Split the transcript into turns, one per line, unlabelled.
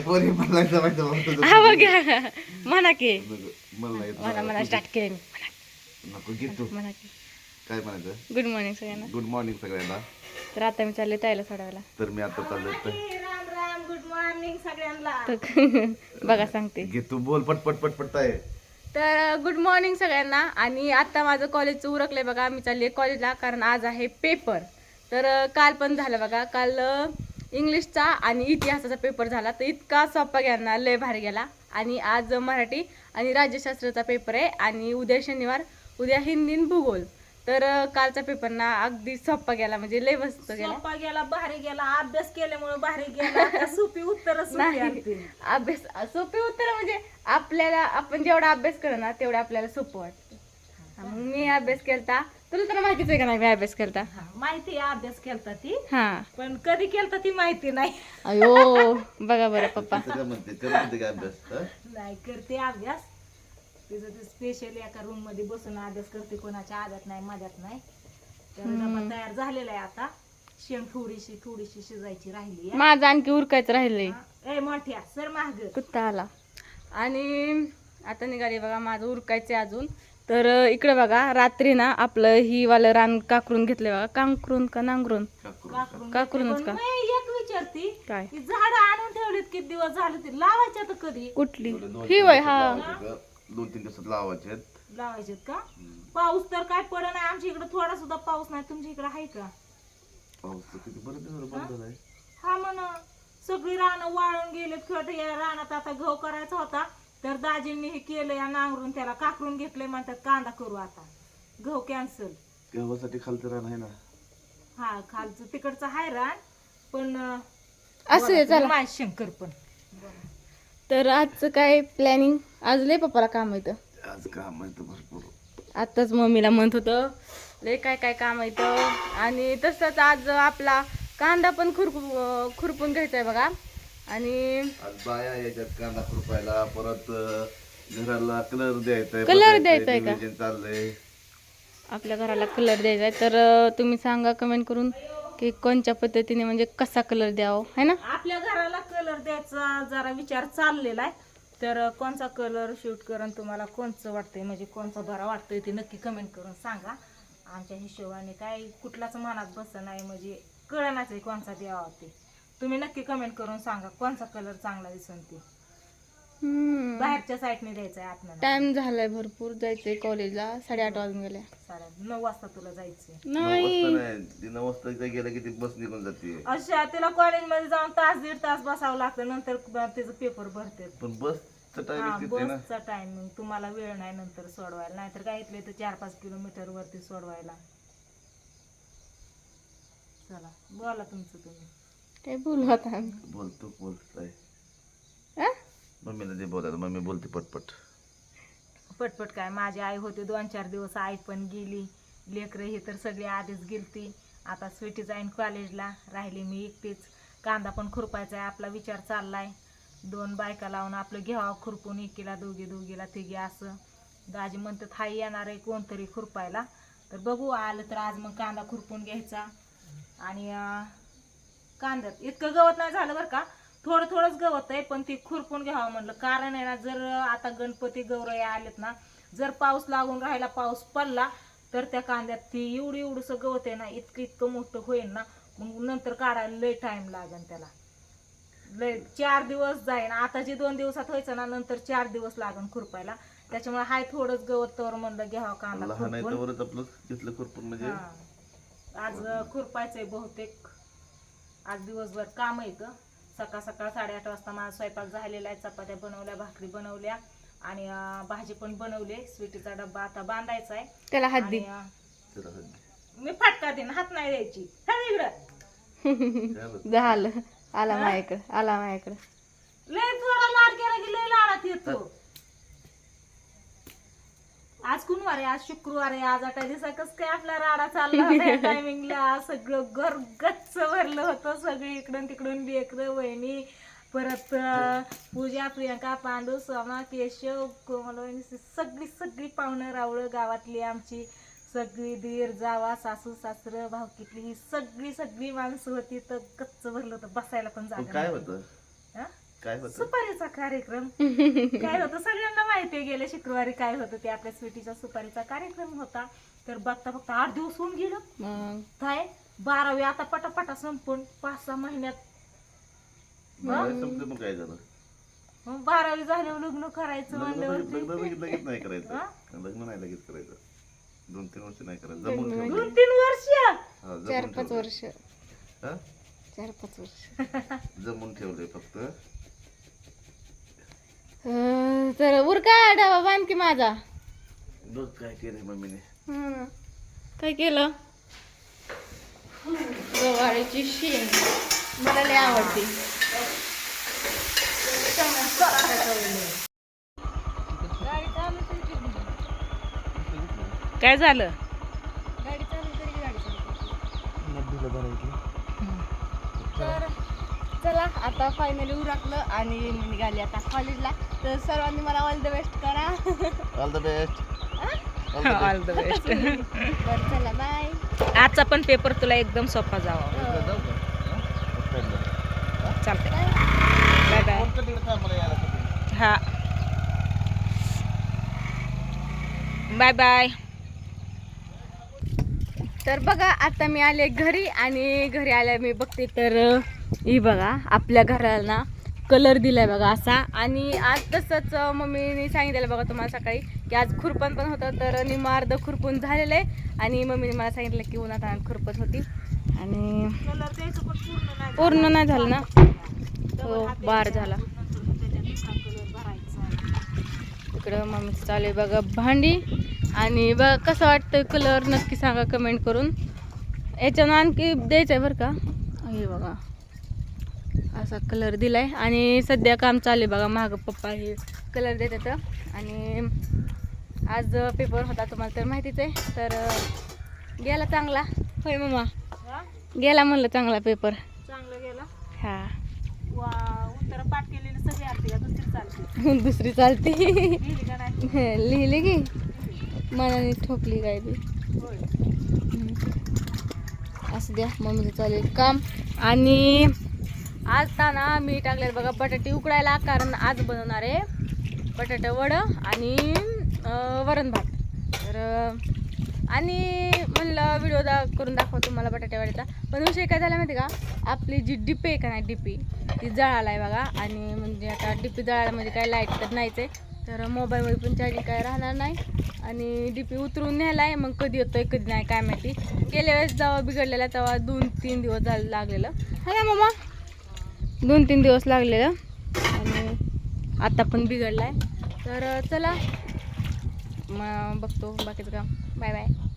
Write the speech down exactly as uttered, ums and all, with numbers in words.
पोरी मला जमायचं
हा बघा म्हणा की
मला येत
म्हणा म्हणा स्टार्ट केले मी म्हणा
नको घे तू
म्हणा की
काय म्हणायचं
गुड मॉर्निंग सगळ्यांना.
गुड मॉर्निंग सगळ्यांना.
तर आता मी चालले ताईला सोडायला.
तर मी आता चाललोय तर
राम राम गुड मॉर्निंग सगळ्यांना.
तर बघा सांगते.
घे तू बोल पटपट पटपट आहे.
तर गुड मॉर्निंग सगळ्यांना. आणि आता माझं कॉलेजचं उरकलंय बघा. मी चालली कॉलेजला कारण आज आहे पेपर. तर काल पण झालं बघा. काल इंग्लिशचा आणि इतिहासाचा पेपर झाला. तर इतका सोपा गेला ना, लय भारी गेला. आणि आज मराठी आणि राज्यशास्त्राचा पेपर आहे. आणि उद्या शनिवार, उद्या हिंदी आणि भूगोल. तर कालचा पेपर ना अगदी सोपा गेला, म्हणजे लय मस्त गेला.
सोपा गेला, भारी गेला. अभ्यास केल्यामुळे भारी गेला. आता सोपी उत्तर
नाही अभ्यास सोपे उत्तर म्हणजे आपल्याला आपण जेवढा अभ्यास करू ना तेवढं आपल्याला सोपं वाटतं. मग मी अभ्यास केलता. तुला तर माहितीच आहे का नाही मी अभ्यास केलता.
माहिती आहे अभ्यास केलता ती,
हा
पण कधी केलता ती माहिती नाही.
अयो बघा बरं पप्पा.
काय म्हणते करते का अभ्यास हं?
नाही करते अभ्यास. तिचं ते स्पेशल एका रूम मध्ये बसून अभ्यास करते. कोणाच्या आदत नाही माझ्यात नाही. तर डबा तयार झालेला आहे. आता शेंग थोडीशी थोडीशी शिजायची राहिली आहे.
माझं आणखी उरकायचं राहिलंय.
ए मोठ्या सर माग.
कुत्ता आला. आणि आता निघाली बघा माझं उरकायचं अजून. तर इकडे बघा रात्री ना आपलं ही वालं रान काकरून घेतलंय बघा. कांकरून का नांगरून काकरूनच का
एक विचारती
काय
ती झाड आणून ठेवलीत किती दिवस झाले ती लावायची आता कधी
कुठली
दोन
ही वय हा
दोन तीन दिवसात लावायचे आहेत.
लावायचे का? पाऊस तर काय पड नाही आमच्या इकडे. थोडा सुद्धा पाऊस नाही. तुमच्या इकडे आहे का
पाऊस तर किती बरं दिवस बंद झालाय.
हा म्हण सगळी रानं वाळून गेलेत. खट या रानात आता गहू करायचा होता तर दाजींनी हे केलं या नांगरून त्याला काकरून घेतलंय. म्हणतात कांदा करू आता. गहू कॅन्सल.
गव्हासाठी खालचं रान आहे ना.
हा खालचं तिकडचं हाय रान पण
असं आहे, चला.
माझ शंकर पण.
तर आजचं काय प्लॅनिंग. आज लय पप्पाला काम येतं.
आज काम आहे तर भरपूर.
आताच मम्मीला म्हणत होतं लय काय काय काम येतं. आणि तसंच आज आपला कांदा पण खुरपू खुरपून घ्यायचा आहे बघा. आणि
आज बाया याच्यात कांदा खुरपायला परत अं, घराला कलर द्यायचा
Color द्यायचा आहे का?
चाललंय.
आपल्या घराला कलर द्यायचा आहे. तर अं, तुम्ही सांगा कमेंट करून की कोणत्या पद्धतीने म्हणजे कसा कलर द्यावा है ना.
आपल्या घराला कलर द्यायचा जरा विचार चाललेला आहे. तर कोणचा कलर शूट करून तुम्हाला कोणचं वाटतंय म्हणजे कोणचा बरा वाटतोय ते नक्की कमेंट करून सांगा. आमच्या हिशोबाने काय कुठलाच मनात बसत नाही म्हणजे कळणाच आहे कोणचा द्यावा ते. तुम्ही नक्की कमेंट करून सांगा कोणचा कलर चांगला दिसन ते. बाहेरच्या साईडने द्यायचा आहे आतमध्ये.
टाइम झालाय भरपूर. जायचंय कॉलेजला. साडेआठ वाजून गेले.
साडे नऊ वाजता तुला जायचंय.
नऊ
नाही
वाजता नाही ती नऊ वाजता इथे गेलं की ती बस निघून जाते.
अशा तिला कॉलेजमध्ये जाऊन तास दीड तास बसावं लागतं. नंतर त्याचं पेपर भरते.
पण बसचं
हा
टायमिंग तिथे ना.
बसचा टायमिंग तुम्हाला वेळ नाही नंतर सोडवायला. नाहीतर काय इथले तर चार पाच किलोमीटर वरती सोडवायला. चला बोला तुमचं तुम्ही.
काय बोलू आता आम्ही.
बोलतो बोलताय
हा?
मम्मीला दे बोलायला. मम्मी बोलते पटपट.
पटपट काय माझी आई होती दोन चार दिवस. आई पण गेली. लेकरं हे तर सगळी आधीच गेलती. आता स्वीटी जाईन कॉलेजला. राहिली मी एकटीच. कांदा पण खुरपायचा आहे. आपला विचार चाललाय दोन बायका लावून आपलं घ्यावा खुरपून. एकीला दोघी दोघीला तिघी असं. दाजी म्हणतात हाय येणार आहे कोणतरी खुरपायला. तर बघू आलं तर आज मग कांदा खुरपून घ्यायचा. आणि कांद्यात इतकं गवत नाही झालं बरं का. थोडं थोडंच गवत आहे पण ती खुरपून घ्यावं म्हणलं. कारण आहे ना जर आता गणपती गौरई आलेत ना जर पाऊस लागून राहिला पाऊस पडला तर त्या कांद्यात ती एवढी एवढंसं गवत आहे ना इतकं इतकं मोठं होईल ना मग नंतर काढायला लय टाइम लागेल त्याला. लय चार दिवस जाईन. आता जे दोन दिवसात व्हायचं ना नंतर चार दिवस लागेल खुरपायला. त्याच्यामुळे हाय थोडंच गवत तर म्हणलं घ्यावं कांदा
लहान आहे
खुरपून.
तोवरच आपलं घेतलं खुरपून म्हणजे.
हा. आज खुरपायचंय बहुतेक. आज दिवसभर काम आहे ग. सकाळ सकाळ साडेआठ वाजता माझा स्वयंपाक झालेला आहे. चपात्या बनवल्या भाकरी बनवल्या आणि भाजी पण बनवली. स्वीटीचा डब्बा आता बांधायचा आहे.
त्याला हात दे.
त्याला हात दे.
मी फटका देईन हात नाही द्यायची. इकडं
झालं. आला माझ्याकडे. आला माझ्याकडे.
लय थोडा लाड केला की लय लाडात येतो. आज कुणवार आहे. आज शुक्रवार आहे. आज आठ दिवसा कस काय आपला राडा चालला होता टायमिंगला. सगळं घर गच्च भरलं होतं. सगळी इकडून तिकडून लेकरं वहिनी परत पूजा प्रियंका पांडू सोमा केशव कोमल वहिनी सगळी सगळी पाहुणं रावळं गावातली आमची सगळी दीर जावा सासू सासरं भावकीतली ही सगळी सगळी माणसं होती. तर गच्च भरलं होतं. बसायला पण जागा
काय
नव्हती.
होतं
हा?
काय होतं
सुपारीचा कार्यक्रम काय होतं सगळ्यांना माहिती आहे. गेल्या शुक्रवारी काय होतं ते आपल्या स्वीटीचा सुपारीचा कार्यक्रम होता. तर बघता बघता आठ दिवस होऊन गेलं.
मग
काय बारावी आता पटापटा संपून पाच सहा महिन्यात
बारावी संपलं मग काय झालं
मग बारावी झाल्यावर लग्न करायचं
लग्न लगेच
म्हणल्यावर
लग्न लगेच लगेच नाही करायचं
हा?
लग्न नाही लगेच करायचं दोन तीन वर्ष नाही करायचं जमून ठेवलं
दोन तीन वर्ष
हा, जमून
चार पाच
ठेवलंय.
वर्ष
हा?
चार पाच वर्ष
जमून ठेवलंय फक्त
अं, तर उरका डावा बांध की माझा.
बघ काय केलंय मम्मीने
हं. काय केलं गवारीची शेंग मला लय आवडते.
काय झालं
गाडी चालू तरी गाडी चालू तर चला आता फायनली उरकलं आणि मी निघाली आता कॉलेजला. तर सर्वांनी मला ऑल द बेस्ट करा.
All the best
all the best.
बरं चला बाय.
आजचा पण पेपर तुला एकदम सोपा जावा. चालतंय बाय बाय. हा बाय बाय.
तर बघा आता मी आले घरी आणि घरी आल्या मी बघते तर ही बघा आपल्या घराला ना कलर दिलाय बघा असा. आणि आज तसंच मम्मीने सांगितलेलं बघा तुम्हाला सकाळी की आज खुरपण पण होतं. तर निम्म अर्ध खुरपून झालेलं आहे आणि मम्मीने मला सांगितलं की उन्हात आणत खुरपत होती आणि पूर्ण नाही झालं ना. हो बार झाला. इकडं मम्मीचं चालू आहे बघा भांडी. आणि बघा कसं वाटतं कलर नक्की सांगा कमेंट करून. याच्यानं आणखी द्यायचं आहे बरं का. हे बघा असा कलर दिलाय आणि सध्या काम चालू आहे बघा. मागं पप्पा हे कलर देतात आणि आज पेपर होता तुम्हाला तर माहितीच आहे. तर गेला चांगला होय मम्मा गेला म्हणलं चांगला पेपर.
चांगलं गेला.
हा
वा उत्तर पाठ केलेली सगळी आरती का दुसरी चालते
दुसरी चालती.
लिहिली का नाही
लिहिली की मनाने ठोकली काय बी.
होय.
असं द्या मम्मीचं चालेल काम. आणि आज ना मी टाकले बघा बटाटे उकडायला कारण आज बनवणार आहे बटाटे वडं आणि अं, वरण भात. तर अं, आणि म्हणलं व्हिडिओ दा करून दाखव तुम्हाला बटाटे वड्याचा. पण विषय काय झाला माहिती का आपली जी डिपी आहे का नाही डिपी ती जळाला आहे बघा. आणि म्हणजे आता डिपी जळायला म्हणजे काय लाईट तर नाहीच आहे. तर मोबाईलमध्ये पण चार्जिंग काय राहणार नाही आणि डीपी उतरून न्यायला आहे. मग कधी येतोय कधी नाही काय माहिती. गेल्या वेळेस जेव्हा बिघडलेला तेव्हा दोन तीन दिवस झालं लागलेलं है ना मामा. दोन तीन दिवस लागलेलं आणि आता पण बिघडला आहे. तर चला मग बघतो बाकीचं काम. Bye bye.